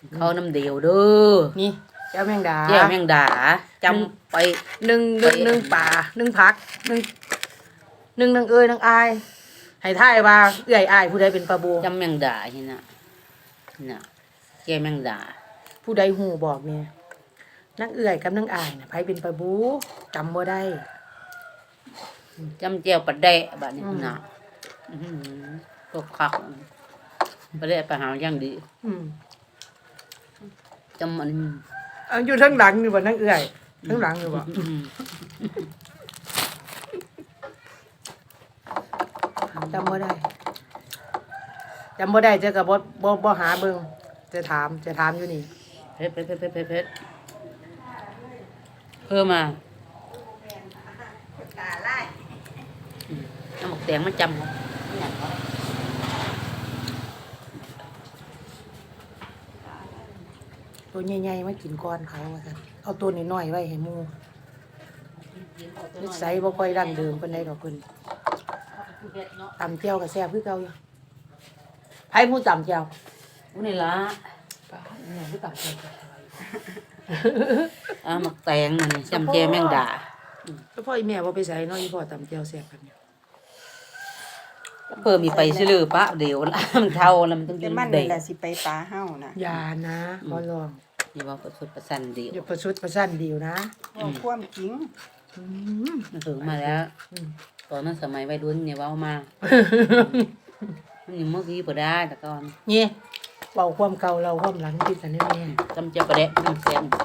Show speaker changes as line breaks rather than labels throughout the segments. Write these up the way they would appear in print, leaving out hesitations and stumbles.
เขาน้ำเดียวเด้อ
นี่แก้วแมงดา
แก้วแมงดาจำไป
นึ่งป่านึ่งผักนึ่งเอ้ยนึ่งอายให้ทายว่าเอื้อยอายผู้ใดเป็นปลาบู
จำแมงดาเห็นน่ะแก้วแมงดา
ผู้ใดหูบอกเนี่ยนักเอื้อยกับนักอายน่ะไผเป็นปลาบูจำบ่ได้
จำแก้วปลาแดะบัดนี้น่ะตกคักปลาแดะไปหาอย่างดีจำมัน
อยู่ทั้งหลังอยู่บ่นักเอื้อยทั้งหลังอยู่บ่จำบ่ได้เจอกับบ่หาเบิ่งจะถามอยู่นี่
เพชรเพิ่มมาน้ำหมกแดงมาจำ
ตัวใหญ่ๆมากินก้อนเขาว่าซั่นเอาตัวน้อยๆไว้ให้หมู่นิสัยบ่ค่อยดั้งเดิมปานใดดอกเพิ่นตำแจ่วก็แซ่บคือเก่าอยู่ไผผู้ตำแจ่ว
อู้นี่ล่ะ
เนี่ยผู้ตำแจ่ว
หมกแตงมันจำแก้วแมงดา
แล้วพ่ออีแม่บ่ไปใส่เนาะอีพ่อตำแจ่วแซ่บกันเนี่ย
เพิ่มมีไปซื้อปะเดี๋ยวมันเท่าแล้วมันต้องกิน
เด็กแต่สิไปปลาเฮานะ
อย่านะขอร้อง
อย่าว่าประชดประชันเดียว
อย่าประชดประชันเดียวนะ
ความจริง
มันถึงมาแล้วตอนนั้นสมัยวัยรุ่นเนี่ยว่ามามันยังเมื่อกี้พอได้แต่ก่อน
นี่เบาความเก่าเราความหลังกินกันแน่
จำเจ้าประเด็นมันแซม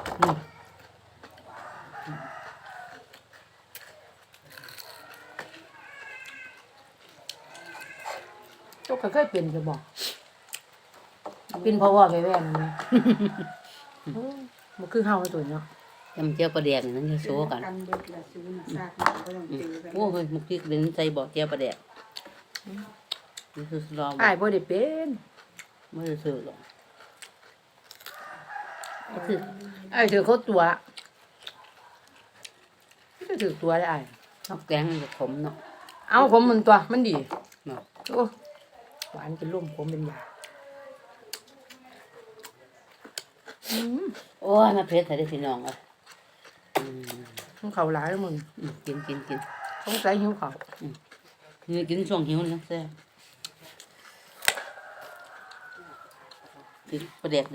ตัวก็เคยเป็นจะบอกเป็นเพราะว่าไปแว่นนะมันคือเฮาตัวเนาะ
จำเจ้าประเด็นนั้นจะโซ่กันโอ้ยมุกที่เป็นใจบอกเจ้าประเด็นนี่คือลอง
อ้ายบ่ได้เป็น
ไม่ได้ซื้อหรอก
อ้ายถือเขาตัวก็ถือตัวได้อ้าย
นอกแกงจะขมเนาะ
เอาผมมันตัวมันดี
เนาะ
โอ้หวานเป็นร่มผมเป็นยา
โอ้ยมาเพชรใส่ได้พี่น้องอ่ะ
ต้องเขาหลายแล้วมึง
กิน
ต้องใส่หิวเขา
กินช่วงหิวนะแซ่บประเด็น